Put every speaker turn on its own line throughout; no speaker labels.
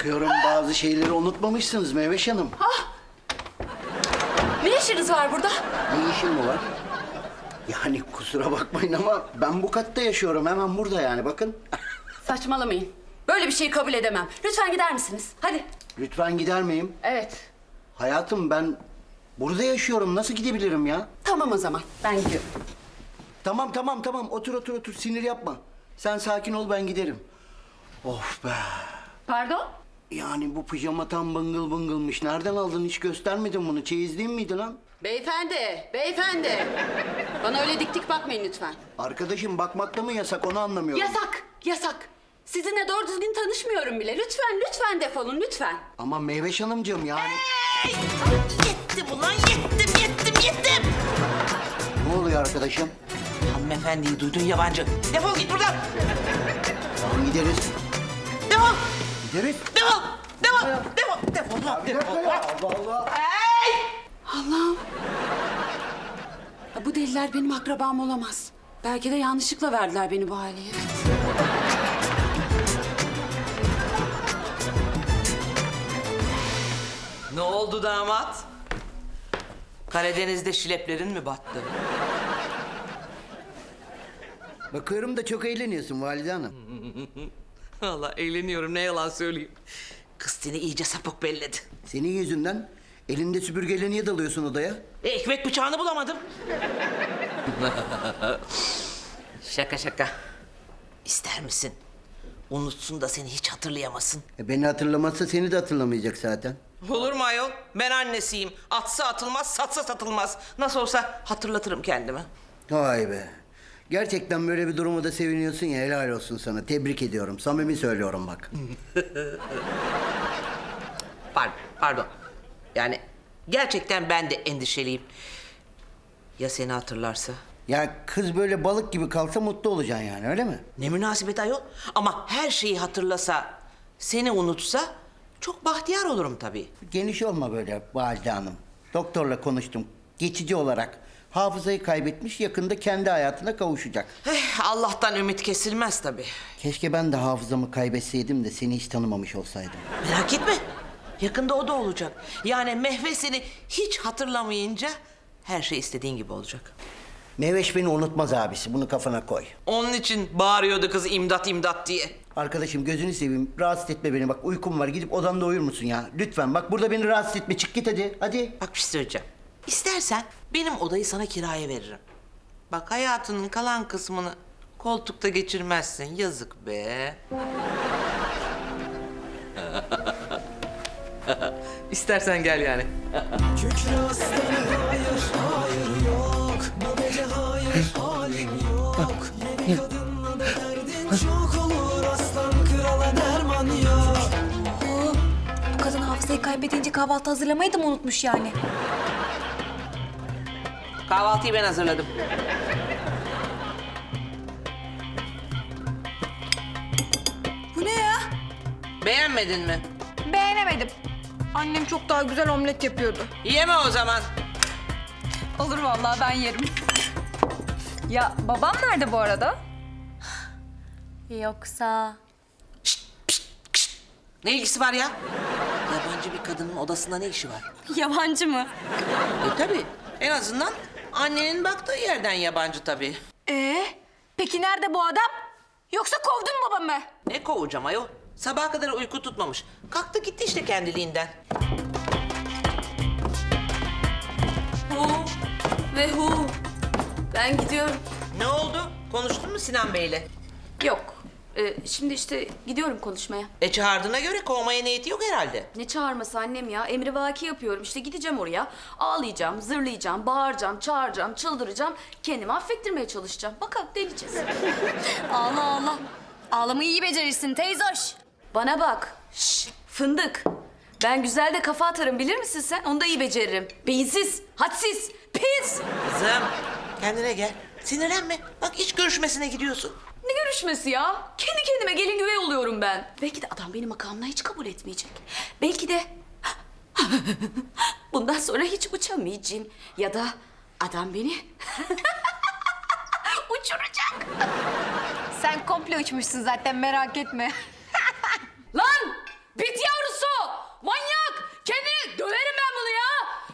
Bakıyorum bazı şeyleri unutmamışsınız Meyveş Hanım.
Ne işiniz var burada?
Ne işin mi var? Yani kusura bakmayın ama ben bu katta yaşıyorum. Hemen burada yani bakın.
Saçmalamayın. Böyle bir şeyi kabul edemem. Lütfen gider misiniz? Hadi.
Lütfen gider miyim?
Evet.
Hayatım ben burada yaşıyorum. Nasıl gidebilirim ya?
Tamam o zaman. Ben gidiyorum.
Tamam. Otur. Sinir yapma. Sen sakin ol ben giderim. Of be.
Pardon?
Yani bu pijama tam bıngıl bıngılmış. Nereden aldın? Hiç göstermedin bunu. Çeyizliğin miydi lan?
Beyefendi. Bana öyle dik dik bakmayın lütfen.
Arkadaşım bakmakta mı yasak onu anlamıyorum.
Yasak. Sizinle doğru düzgün tanışmıyorum bile. Lütfen defolun lütfen.
Ama Meyveş Hanımcığım yani.
Yettim ulan yettim.
Ne oluyor arkadaşım?
Hanımefendiyi duydun yabancı. Defol git buradan.
Tamam gideriz.
Defol.
Gideriz.
Defol.
Bir dakika ya. Allah Allah.
Allah'ım. Ya bu deliler benim akrabam olamaz. Belki de yanlışlıkla verdiler beni bu aileye.
Ne oldu damat? Karadeniz'de şileplerin mi battı?
Bakıyorum da çok eğleniyorsun Valide Hanım.
Vallahi eğleniyorum ne yalan söyleyeyim. Kız seni iyice sapık belledi.
Senin yüzünden elinde süpürgeyle niye dalıyorsun odaya?
Ekmek bıçağını bulamadım. Şaka. İster misin? Unutsun da seni hiç hatırlayamasın.
Beni hatırlamazsa seni de hatırlamayacak zaten.
Olur mu ayol? Ben annesiyim. Atsa atılmaz, satsa satılmaz. Nasıl olsa hatırlatırım kendimi.
Vay be. Gerçekten böyle bir duruma da seviniyorsun ya, helal olsun sana. Tebrik ediyorum. Samimi söylüyorum bak.
Pardon. Yani gerçekten ben de endişeliyim. Ya seni hatırlarsa?
Ya kız böyle balık gibi kalsa mutlu olacaksın yani, öyle mi?
Ne münasebet ayol. Ama her şeyi hatırlasa, seni unutsa çok bahtiyar olurum tabii.
Geniş olma böyle Valide Hanım. Doktorla konuştum. Geçici olarak hafızayı kaybetmiş, yakında kendi hayatına kavuşacak.
Allah'tan ümit kesilmez tabii.
Keşke ben de hafızamı kaybetseydim de seni hiç tanımamış olsaydım.
Merak etme. Yakında o da olacak. Yani Mehve seni hiç hatırlamayınca her şey istediğin gibi olacak.
Meyveş beni unutmaz abisi. Bunu kafana koy.
Onun için bağırıyordu kız imdat diye.
Arkadaşım gözünü seveyim. Rahatsız etme beni. Bak uykum var. Gidip odanda uyur musun ya? Lütfen. Bak burada beni rahatsız etme. Çık git hadi. Hadi.
Bak bir şey söyleyeceğim. İstersen benim odayı sana kiraya veririm. Bak hayatının kalan kısmını koltukta geçirmezsin. Yazık be. İstersen gel yani.
Kükre aslanı hayır yok. Bu gece hayır halim yok. Yeni kadınla da derdin çok olur. Aslan krala derman yok.
Bu kadın hafızayı kaybedince kahvaltı hazırlamayı da mı unutmuş yani?
Kahvaltıyı ben hazırladım.
Bu ne ya?
Beğenmedin mi?
Beğenemedim. Annem çok daha güzel omlet yapıyordu.
Yeme o zaman.
Olur vallahi ben yerim. Ya babam nerede bu arada? Yoksa...
Ne ilgisi var ya? Yabancı bir kadının odasında ne işi var?
Yabancı mı?
Tabii. En azından annenin baktığı yerden yabancı tabii.
Peki nerede bu adam? Yoksa kovdun mu babamı?
Ne kovacağım ayol? Sabaha kadar uyku tutmamış. Kalktı gitti işte kendiliğinden.
Ben gidiyorum.
Ne oldu? Konuştun mu Sinan Bey'le?
Yok. Şimdi işte gidiyorum konuşmaya.
Çağırdığına göre kovmaya niyeti yok herhalde.
Ne çağırması annem ya? Emrivaki yapıyorum. İşte gideceğim oraya. Ağlayacağım, zırlayacağım, bağıracağım, çağıracağım, çıldıracağım. Kendimi affettirmeye çalışacağım. Bakalım deneyeceğiz.
Allah. Ağlamayı iyi becerirsin teyzoş.
Bana bak. Şş, fındık. Ben güzel de kafa atarım bilir misin sen? Onu da iyi beceririm. Beyinsiz, hadsiz, pis.
Kızım kendine gel. Sinirlenme. Bak iş görüşmesine gidiyorsun.
Ne görüşmesi ya? Kendi kendime gelin güvey oluyorum ben. Belki de adam beni makamına hiç kabul etmeyecek. Belki de bundan sonra hiç uçamayacağım. Ya da adam beni uçuracak.
Sen komple uçmuşsun zaten merak etme.
Lan! Bit yavrum!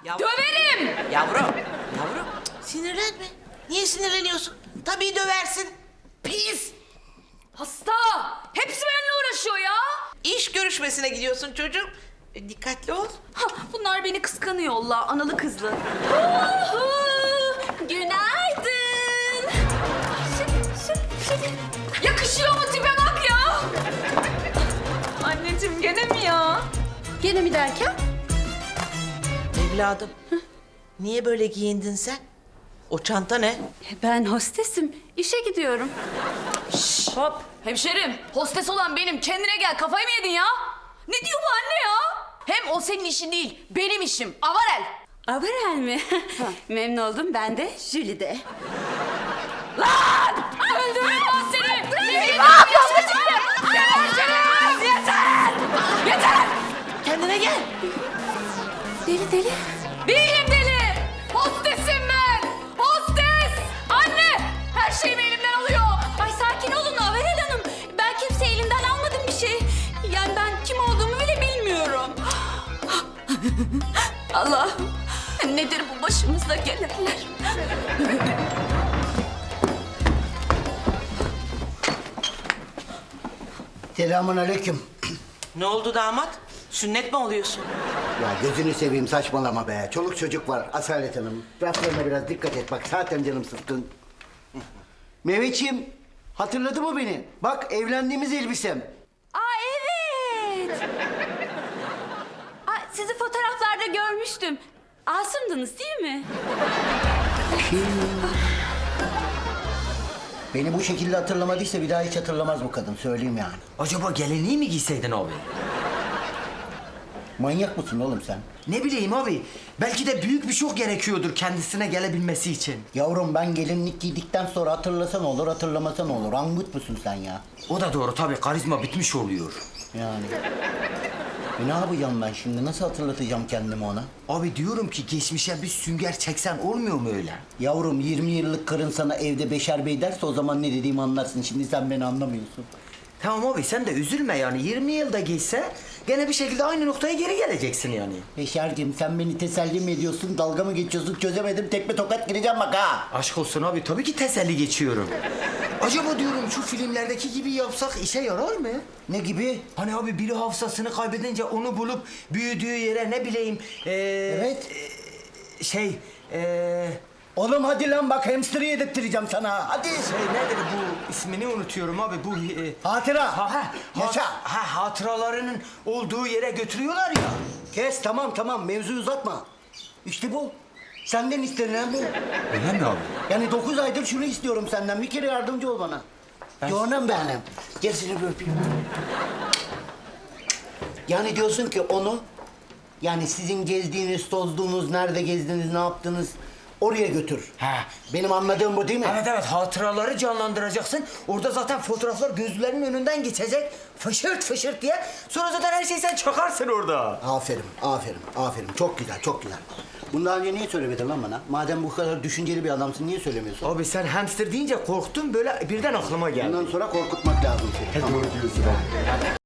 Döverim!
Yavrum, sinirlenme. Niye sinirleniyorsun? Tabii döversin. Pis!
Hasta! Hepsi benimle uğraşıyor ya.
İş görüşmesine gidiyorsun çocuğum. Dikkatli ol.
Ha, bunlar beni kıskanıyorlar, analı kızlı. Uhu! Günaydın. Yakışıyor mu tipe bak ya?
Anneciğim gene mi ya?
Gene mi derken?
Evladım, niye böyle giyindin sen? O çanta ne?
Ben hostesim. İşe gidiyorum. Hop. Hemşerim, hostes olan benim. Kendine gel. Kafayı mı yedin ya? Ne diyor bu anne ya? Hem o senin işin değil, benim işim. Avarel.
Avarel mi? Memnun oldum. Ben de Jülide.
Lan! Öldürürüm ben seni! Ne yapıyorsun şimdi? Geberteceğim! Yeter! Yeter!
Kendine gel.
Deli deli.
Değilim deli! Hostesim ben! Hostes! Anne! Her şeyimi elimden alıyor!
Ay sakin olun Avarel Hanım. Ben kimse elimden almadım bir şey. Yani ben kim olduğumu bile bilmiyorum.
Allah! Nedir bu başımıza gelenler?
Selamun aleyküm.
Ne oldu damat? Sünnet mi oluyorsun?
Ya gözünü seveyim saçmalama be. Çoluk çocuk var Asalet Hanım. Raflarına biraz dikkat et bak zaten canım sıkkın. Mehmetciğim hatırladı mı beni? Bak evlendiğimiz elbisem.
Aa evet. Aa, sizi fotoğraflarda görmüştüm. Asım'dınız değil mi?
Beni bu şekilde hatırlamadıysa bir daha hiç hatırlamaz bu kadın söyleyeyim yani.
Acaba gelinliği mi giyseydin abi?
Manyak mısın oğlum sen?
Ne bileyim abi. Belki de büyük bir şok gerekiyordur kendisine gelebilmesi için.
Yavrum ben gelinlik giydikten sonra hatırlasan olur hatırlamasan olur. Angut musun sen ya?
O da doğru tabii, karizma bitmiş oluyor.
Yani. Ne yapacağım ben şimdi? Nasıl hatırlatacağım kendimi ona?
Abi diyorum ki geçmişe bir sünger çeksen olmuyor mu öyle?
Yavrum 20 yıllık karın sana evde Beşer Bey derse o zaman ne dediğimi anlarsın. Şimdi sen beni anlamıyorsun.
Tamam abi sen de üzülme yani, 20 yılda geçse gene bir şekilde aynı noktaya geri geleceksin yani.
Beşerciğim sen beni teselli mi ediyorsun? Dalga mı geçiyorsun? Çözemedim. Tekme tokat gireceğim bak ha.
Aşk olsun abi, tabii ki teselli geçiyorum. Acaba diyorum şu filmlerdeki gibi yapsak işe yarar mı?
Ne gibi?
Hani abi biri hafızasını kaybedince onu bulup büyüdüğü yere ne bileyim...
Evet.
Şey...
Oğlum hadi lan bak hamster'ı yedirttireceğim sana. Hadi.
Şey nedir bu, ismini unutuyorum abi, bu...
Hatıra. Yaşa.
Hatıralarının olduğu yere götürüyorlar ya.
Kes tamam mevzuyu uzatma. İşte bu. Senden istenilen bu.
Öyle mi abi?
Yani 9 aydır şunu istiyorum senden. Bir kere yardımcı ol bana. Canım benim. Gel seni bir öpeyim. Yani diyorsun ki onu... Yani sizin gezdiğiniz, tozduğunuz, nerede gezdiniz, ne yaptınız... Oraya götür.
He.
Benim anladığım bu değil mi?
Evet, hatıraları canlandıracaksın. Orada zaten fotoğraflar gözlerinin önünden geçecek. Fışırt fışırt diye. Sonra zaten her şeyi sen çakarsın orada.
Aferin. Çok güzel. Bundan önce niye söylemedin lan bana? Madem bu kadar düşünceli bir adamsın niye söylemiyorsun?
Abi sen hamster deyince korktum, böyle birden aklıma geldi.
Bundan sonra korkutmak lazım seni. Tamam.
Doğru diyorsun abi.